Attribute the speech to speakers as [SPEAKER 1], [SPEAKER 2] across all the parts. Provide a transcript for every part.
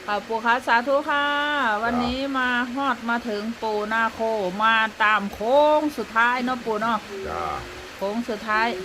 [SPEAKER 1] ค่ะปู่คะสาธุค่ะวันนี้มาฮอดมาถึงปู่นาโคมาตามโค้งสุดท้ายเนาะปู่เนาะ
[SPEAKER 2] จ้า
[SPEAKER 1] โค้งสุดท้าย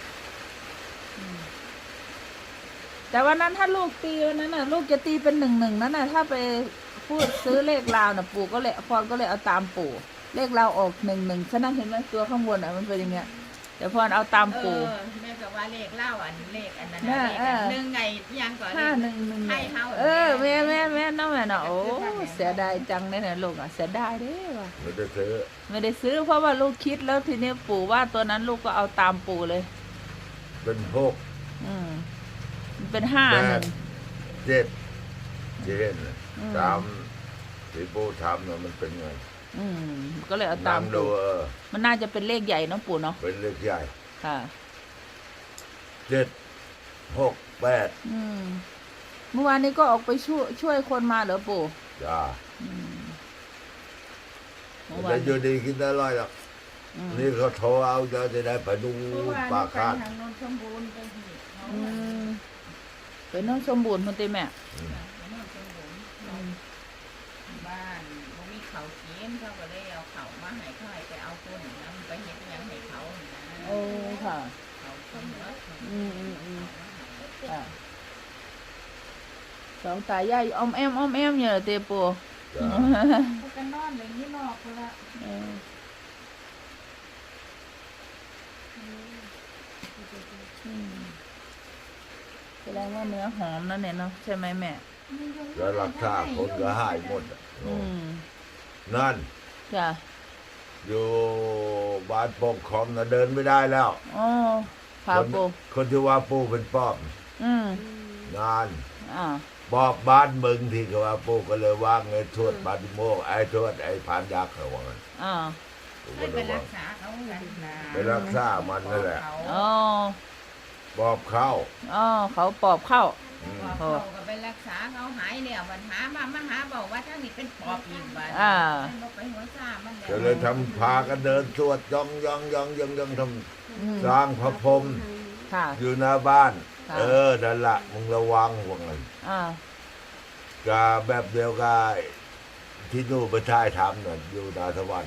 [SPEAKER 1] แต่วันนั้นถ้าลูกตีวันนั้นน่ะลูกจะตีเป็น1-1นั่นน่ะถ้าไปพูดซื้อเลขลาวน่ะปู่ก็เลยพรก็เลยเอาตามปู่เลขลาวออก1-1ฉะนั้นเห็นไหมตัวข้างบนอ่ะมันเป็นอย่างเงี้ยแต่พรเอาตามปู่
[SPEAKER 3] แม่ก็ว่าเลขเล่าอันเลขอันนั้น
[SPEAKER 1] แม่
[SPEAKER 3] เลขอันหนึ่งไงยังก่อน
[SPEAKER 1] 5-1
[SPEAKER 3] ให้เฮา
[SPEAKER 1] แม่น้องแม่เนาะโอ้เสียดายจังเลยนะลูกอ่ะเสียดายเด้ว่ะ
[SPEAKER 2] ไม่ได้ซื้อ
[SPEAKER 1] ไม่ได้ซื้อเพราะว่าลูกคิดแล้วทีนี้ปู่ว่าตัวนั้นลูกก็เอาตามปู่เลย
[SPEAKER 2] เป็นหก
[SPEAKER 1] มันเป็น5-1
[SPEAKER 2] เจ็ดเจ็ดตามที่ปู่ทำเนี่ยมันเป็นไง
[SPEAKER 1] ก็เลยเอาตาม
[SPEAKER 2] ดู
[SPEAKER 1] ปู่มันน่าจะเป็นเลขใหญ่เนาะปู่เนาะ
[SPEAKER 2] เป็นเลขใหญ่
[SPEAKER 1] ค่ะ
[SPEAKER 2] 7-6-8
[SPEAKER 1] เมื่อวานนี้ก็ออกไปช่วยคนมาเหรอปู่
[SPEAKER 2] จ้าแต่อยู่ดีกินได้ร้อยหรอกนี่เขาโทรเอาจะได้ไปดูปากคาด
[SPEAKER 3] ทางนนสมบูรณ์ไปหีบ
[SPEAKER 1] ไปโน่นสมบูรณ์มันตีแม่
[SPEAKER 3] บ้านบ่มีเขากินเขาก็เลยเอาเขามาให้เขาให้ไปเอาต้นน้ำไปเฮ็ดยังให้เขา
[SPEAKER 1] โอ้ค่ะ
[SPEAKER 3] เขาต้นเนื้อ
[SPEAKER 1] ค่ะสองตายายอ้อมแอมเนี่ยเตปู
[SPEAKER 3] กันนอนเลยนี่นอกละ
[SPEAKER 1] แสดงว่าเนื้อหอมนั่นเนี่ยเนาะใช่ไหมแม่
[SPEAKER 2] แล้วราคาคนก็หายหมดนั่น
[SPEAKER 1] จ้ะ
[SPEAKER 2] อยู่บ้านปกครองนะเดินไม่ได้แล้ว
[SPEAKER 1] อ๋อพาปู
[SPEAKER 2] คนที่ว่าปูเป็นป้อมงานบอบบ้านมึงที่ก็ว่าปูก็เลยว่างไอ้ทวดบ้านโมกไอ้ทวดไอ้ผานยักษ์เขาว่างั้น
[SPEAKER 3] ไปรักษาเขา
[SPEAKER 2] ไปรักษามันนั่นแหละปอบเข้า
[SPEAKER 1] เขาปอบเข้า
[SPEAKER 3] เขาก็ไปรักษาเขาหายแล้วปัญหามาหาบอกว่าทั้งนี้เป็นปอบอีกบ้านไปหัวซ่ามัน
[SPEAKER 2] ก็เลยทำพากันเดินสวดย่องทำสร้างพระพรหมอยู่หน้าบ้านนั่นละมึงระวังว่างั้นก็แบบเดียวกันที่นู่นไปท่ายทำน่ะอยู่นาทวัน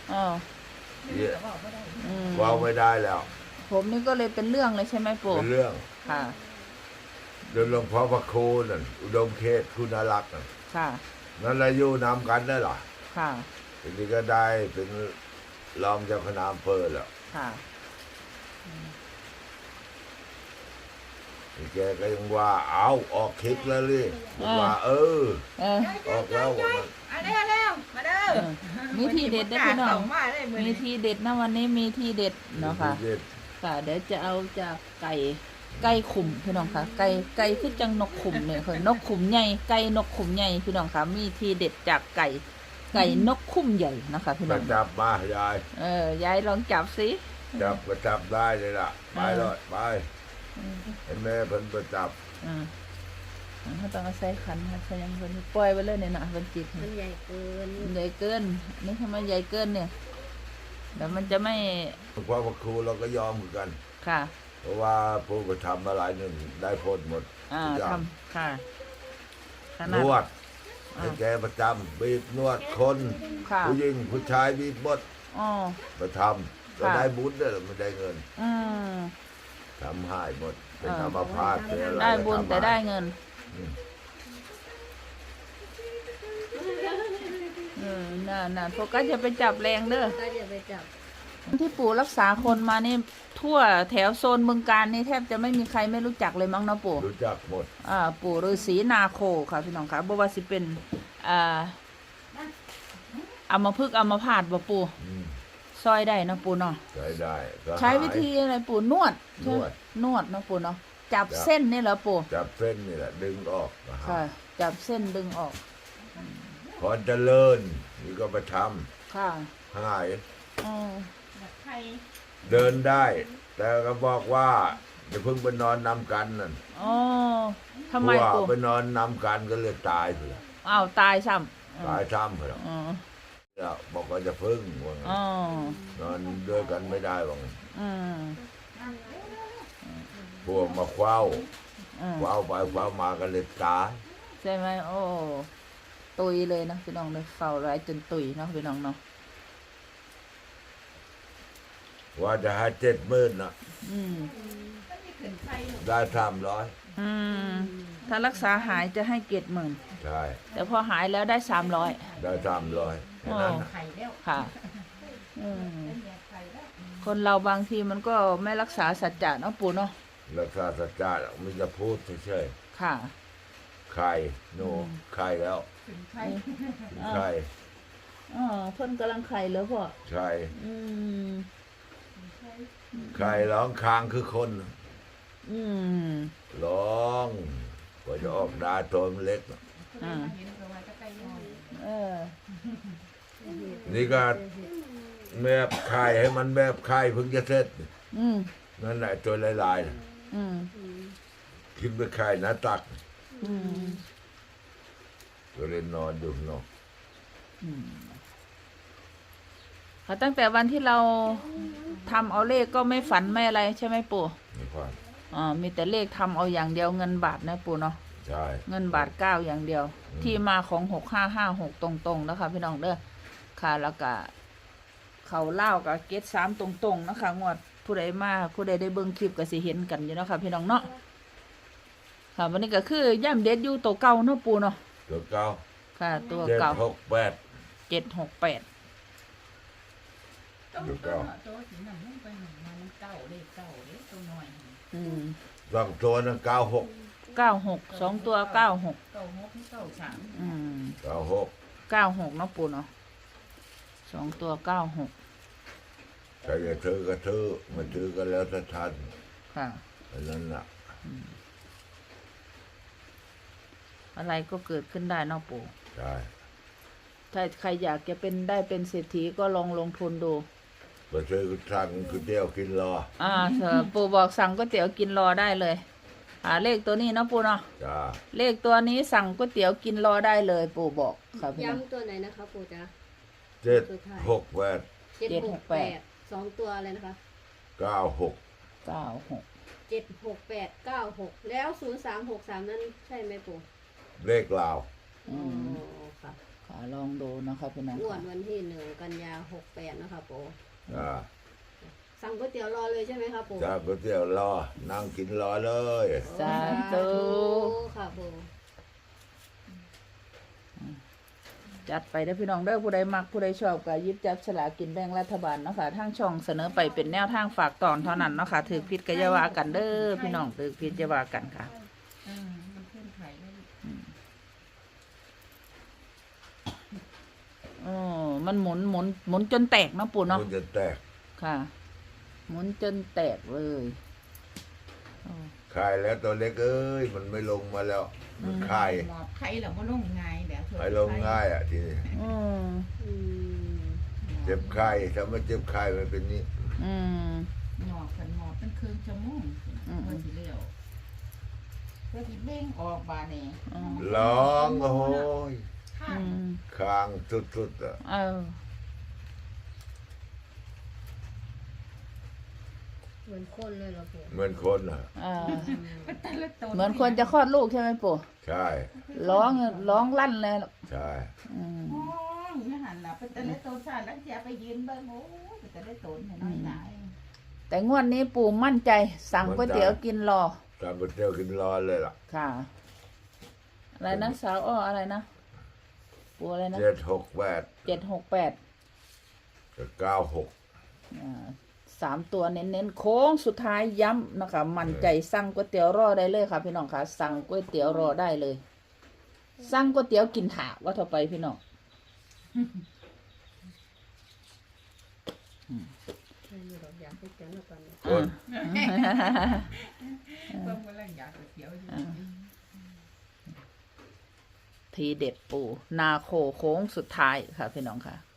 [SPEAKER 2] ว่าไม่ได้แล้ว
[SPEAKER 1] ผมนี่ก็เลยเป็นเรื่องเลยใช่ไหมปู่
[SPEAKER 2] เป็นเรื่อง
[SPEAKER 1] ค่ะ
[SPEAKER 2] โดยหลวงพ่อพระครูนั่นอุดมเขตคุณรักษ์นั่น
[SPEAKER 1] ค่ะ
[SPEAKER 2] นั่นแหละอยู่นำกันได้หรอ
[SPEAKER 1] ค่ะ
[SPEAKER 2] ทีนี้ก็ได้เป็นรองเจ้าคณะอำเภอแล้ว
[SPEAKER 1] ค่ะ
[SPEAKER 2] แกก็ยังว่าเอาออกคลิปแล้วเลยว่าออกแล้วว่า
[SPEAKER 3] มันแล้วมาเด้อ
[SPEAKER 1] มีทีเด็ดนะพี่น้องมีทีเด็ดนะวันนี้มีทีเด็ดเนาะค่ะค่ะเดี๋ยวจะเอาจากไก่ขุ่มพี่น้องค่ะไก่คือจังนกขุ่มเนี่ยคือนกขุ่มใหญ่ไก่นกขุ่มใหญ่พี่น้องค่ะมีทีเด็ดจากไก่นกขุ่มใหญ่นะคะพี่น้อง
[SPEAKER 2] จับมายาย
[SPEAKER 1] ยายลองจับสิ
[SPEAKER 2] จับก็จับได้เลยล่ะไปเลยไปให้แม่เพิ่นประจับ
[SPEAKER 1] เขาต้องเอาใส่ขันค่ะใส่ยังเพิ่นปล่อยไปเลยเนี่ยนะเพิ่นจิต
[SPEAKER 3] มันใหญ่เกิน
[SPEAKER 1] นี่ทำไมใหญ่เกินเนี่ยเดี๋ยวมันจะไม่
[SPEAKER 2] เพราะว่าครูเราก็ยอมเหมือนกัน
[SPEAKER 1] ค่ะ
[SPEAKER 2] เพราะว่าผู้กระทำมาหลายหนึ่งได้พ้นหมด
[SPEAKER 1] ทำค่ะ
[SPEAKER 2] นวดให้แกประจำบีบนวดคนผู้หญิงผู้ชายบีบหมดประทำก็ได้บุญได้ไม่ได้เงินทำหายหมดเป็นธรรมพาส
[SPEAKER 1] ได้บุญแต่ได้เงินน่ะโฟกัสจะไปจับแรงเด้อที่ปู่รักษาคนมานี่ทั่วแถวโซนบึงกาฬนี่แทบจะไม่มีใครไม่รู้จักเลยมั้งเนาะปู่
[SPEAKER 2] รู้จักหมด
[SPEAKER 1] ปู่ฤาษีนาโคค่ะพี่น้องค่ะบ่ว่าสิเป็นอัมพฤกษ์อัมพาตบ่ปู่ซอยได้นะปู่เนาะ
[SPEAKER 2] ได้
[SPEAKER 1] ใช้วิธีอะไรปู่นวดนะปู่เนาะจับเส้นนี่เหรอปู่
[SPEAKER 2] จับเส้นนี่แหละดึงออก
[SPEAKER 1] ค่ะจับเส้นดึงออก
[SPEAKER 2] พอเจริญนี่ก็ไปท
[SPEAKER 1] ำค่ะ
[SPEAKER 2] หายเดินได้แต่ก็บอกว่าจะเพิ่งไปนอนนำกันนั่น
[SPEAKER 1] ทำไมปู่
[SPEAKER 2] ไปนอนนำกันก็เลยตายเลย
[SPEAKER 1] ตายซ้
[SPEAKER 2] ำเหรอแล้วบอกว่าจะพึ่งว่านอนด้วยกันไม่ได้ว่างพวกมาคว้าไปคว้ามากันเลยตาย
[SPEAKER 1] ใช่ไหมโอ้ตุยเลยนะพี่น้องเลยเฝ้าร้ายจนตุยเนาะพี่น้องเนาะ
[SPEAKER 2] ว่าจะให้70,000น่ะ
[SPEAKER 1] อืม
[SPEAKER 2] ได้300
[SPEAKER 1] อืมถ้ารักษาหายจะให้70,000
[SPEAKER 2] ใช่
[SPEAKER 1] แต่พอหายแล้วได้300
[SPEAKER 2] ได้300แค่นั้นน่ะ
[SPEAKER 3] ไข่แล้ว
[SPEAKER 1] ค่ะคนเราบางทีมันก็ไม่รักษาสัจจะเนาะปู่เนาะ
[SPEAKER 2] รักษาสัจจะมันจะพูดเฉย
[SPEAKER 1] ค่ะ
[SPEAKER 2] ๆไข่โนไข่แล้ว
[SPEAKER 3] ถึงไข่
[SPEAKER 2] ไข่
[SPEAKER 1] อ๋อเพิ่นกำลังไข่แล้วพ่อ
[SPEAKER 2] ไข่
[SPEAKER 1] อืม
[SPEAKER 2] ไข่ร้องค้างคือคน
[SPEAKER 1] อืม
[SPEAKER 2] ร้องกว่าจะออกได้ตัวมันเล็กน่ะ
[SPEAKER 3] เห็นตัวว่าจะไก่ย่อย
[SPEAKER 1] เออ
[SPEAKER 2] นี่ก็แมบไข่ให้มันแมบไข่เพิ่งจะเสร็จ
[SPEAKER 1] อืม
[SPEAKER 2] นั่นแหละตัวลายๆน่ะ
[SPEAKER 1] อืม
[SPEAKER 2] กินไปไข่หน้าตัก
[SPEAKER 1] อืม
[SPEAKER 2] ก็เลยนอนอยู่เนาะ
[SPEAKER 1] ค่ะตั้งแต่วันที่เราทำเอาเลขก็ไม่ฝันไม่อะไรใช่ไหมปู่
[SPEAKER 2] มีความ
[SPEAKER 1] อ๋อมีแต่เลขทำเอาอย่างเดียวเงินบาทนะปู่เนาะ
[SPEAKER 2] ใช่
[SPEAKER 1] เงินบาท9อย่างเดียว ที่มาของ6556ตรงๆนะคะพี่น้องเด้อค่ะแล้วก็เขาเล่ากับเกต3ตรงๆนะคะงวดผู้ใดมาผู้ใดได้เบิ่งคลิปก็สิเห็นกันอยู่เนาะค่ะพี่น้องเนาะค่ะวันนี้ก็คือย่ำเด็ดอยู่ตัวเก่าเนาะปู่เนาะ
[SPEAKER 2] ตัวเก้า
[SPEAKER 1] ค่ะตัว
[SPEAKER 2] 7
[SPEAKER 1] เก่า
[SPEAKER 2] 6 8
[SPEAKER 1] 768
[SPEAKER 3] ตัวสีน้ำลงไปหนึ่งมันเก้าเลขเก้าเลขตัวหน่อย
[SPEAKER 2] สองตัวนั้น96
[SPEAKER 1] 96 2ตัว96
[SPEAKER 3] เก้าหกที่เก้าสาม
[SPEAKER 2] 96
[SPEAKER 1] 96เนาะปู่เนาะ2ตัว96
[SPEAKER 2] ใครจะซื้อก็ซื้อไม่ซื้อก็แล้วแต่ท่าน
[SPEAKER 1] ค่ะ
[SPEAKER 2] อันนั้นน่ะ
[SPEAKER 1] อะไรก็เกิดขึ้นได้เนาะปู่
[SPEAKER 2] ใช่
[SPEAKER 1] ถ้าใครอยากจะเป็นได้เป็นเศรษฐีก็ลองลงทุนดู
[SPEAKER 2] ไปซื้อสั่งก๋วยเตี๋ยวกินรอ
[SPEAKER 1] ปู่บอกสั่งก๋วยเตี๋ยวกินรอได้เลยเลขตัวนี้เนาะปู่เนาะ
[SPEAKER 2] จ้า
[SPEAKER 1] เลขตัวนี้สั่งก๋วยเตี๋ยวกินรอได้เลย ปู่บอกครับพี่น้อง
[SPEAKER 4] ย้ำตัวไหนนะคะปู่จ๊ะ
[SPEAKER 2] 7 6 8
[SPEAKER 4] 768 2 ตัวอะไรนะคะ
[SPEAKER 2] 96
[SPEAKER 1] 96
[SPEAKER 4] 76896 แล้ว 0363 นั้นใช่ไหมปู่
[SPEAKER 2] เลขลาว
[SPEAKER 4] อ๋อค่ะ
[SPEAKER 1] ค่ะลองดูนะครับพี่น้อง
[SPEAKER 4] งวด
[SPEAKER 1] ค่ะ
[SPEAKER 4] วันที่1 กันยา68นะคะปู่
[SPEAKER 2] จ้า
[SPEAKER 4] สั่งก๋วยเตี๋ยวรอเลยใช่ไหมคะปู่
[SPEAKER 2] จ้าก๋วยเตี๋ยวรอนั่งกินรอเลย
[SPEAKER 1] สาธุ
[SPEAKER 4] ค่ะปู่
[SPEAKER 1] จัดไปได้อพี่น้องเด้อผู้ใดมักผู้ใดชอบก็หยิบจับฉลากกินแบ่งรัฐบาลเนาะค่ะทางช่องเสนอไปเป็นแนวทางฝากตอนเท่านั้นเนาะค่ะถือผิดก็อย่าว่ากันเด้อพี่น้องถือผิดอย่าว่ากันค่ะ
[SPEAKER 3] มันขึ้นไข่แล้ว
[SPEAKER 1] อ๋อมันหมุนจนแตกเนาะปู่เนาะ
[SPEAKER 2] มันจะแตก
[SPEAKER 1] ค่ะ หมุนจนแตกเลยอ๋อ
[SPEAKER 2] คายแล้วตัวเล็กเอ้ยมันไม่ลงมาแล้วมันคาย
[SPEAKER 3] หมอบไข่แล้วก็ลงง่ายแบบ
[SPEAKER 2] ให้ลงง่ายอ่ะทีนี้
[SPEAKER 1] อืม
[SPEAKER 4] อืม
[SPEAKER 2] เจ็บไข้ถ้าไม่เจ็บไข้มันเป็นนี้
[SPEAKER 1] อืม
[SPEAKER 3] หมอบกันหมอบเป็นครึ่งชั่วโมงเพื่อที่เลี้ยวเพื่อที่เบ่งออกบาเนี่ย
[SPEAKER 2] ร้องโอ้ย
[SPEAKER 3] ข้า
[SPEAKER 1] อื
[SPEAKER 3] ง
[SPEAKER 1] ม
[SPEAKER 2] คางสุดๆอ่ะ
[SPEAKER 1] เออ
[SPEAKER 4] เหมือนคนเลยเหรอปู่
[SPEAKER 2] เหมือนคนอ่ะ
[SPEAKER 1] เออ
[SPEAKER 3] แต่ละตัว
[SPEAKER 1] เหมือนคนจะคลอดลูกใช่ไหมปู่
[SPEAKER 2] ใช่
[SPEAKER 1] ร้องลั่นเลย
[SPEAKER 2] ใช่
[SPEAKER 1] อืม
[SPEAKER 3] มองไม่หันหลับเป็นแต่ละตัวชาติแล้วจะไปยืนเบิ่งโอ้เป็นแต่ละตัวเนี่ยน้อยหนา
[SPEAKER 1] แต่งวดนี้ปู่มั่นใจ สั่งก๋วยเตี๋ยวกินรอ
[SPEAKER 2] ตามก๋วยเตี๋ยวกินรอเลยล่ะ
[SPEAKER 1] ค่ะ อะไรนะสาวอ้ออะไรนะปู่อะไรนะ
[SPEAKER 2] 7 6 8
[SPEAKER 1] 768
[SPEAKER 2] 96
[SPEAKER 1] 3 ตัวเน้นๆโค้งสุดท้ายย้ำนะคะมั่นใจสั่งก๋วยเตี๋ยวรอได้เลยค่ะพี่น้องค่ะสั่งก๋วยเตี๋ยวรอได้เลย สั่งก๋วยเตี๋ยวกินถาว่าเท่าไปพี่น้อง
[SPEAKER 4] ใช่ไหมหรอกอยากให้เตี๋ยวแล้วตอนนี้
[SPEAKER 2] คน
[SPEAKER 3] เพิ่มกำลังอยากเขียวอยู่
[SPEAKER 1] ทีเด็ดปู่นาโคโค้งสุดท้ายค่ะพี่น้องค่ะ